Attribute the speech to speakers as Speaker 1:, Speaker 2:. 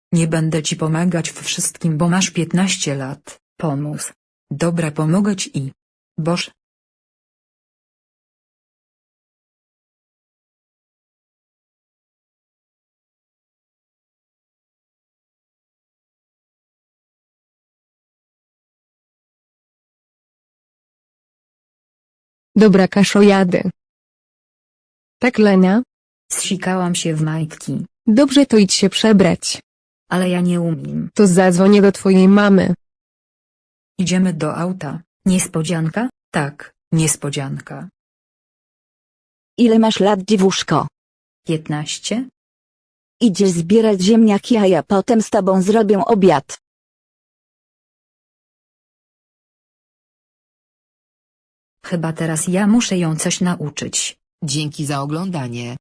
Speaker 1: Nie będę ci pomagać w wszystkim, bo masz 15 lat. Pomóż. Dobra, pomogę ci i... Boż.
Speaker 2: Dobra, Kaszo, jadę. Tak, Lenia?
Speaker 1: Zsikałam się w majtki.
Speaker 2: Dobrze, to idź się przebrać.
Speaker 1: Ale ja nie umiem.
Speaker 2: To zadzwonię do twojej mamy.
Speaker 1: Idziemy do auta. Niespodzianka? Tak, niespodzianka.
Speaker 3: Ile masz lat, dziewuszko?
Speaker 1: 15?
Speaker 3: Idziesz zbierać ziemniaki, a ja potem z tobą zrobię obiad.
Speaker 1: Chyba teraz ja muszę ją coś nauczyć.
Speaker 4: Dzięki za oglądanie.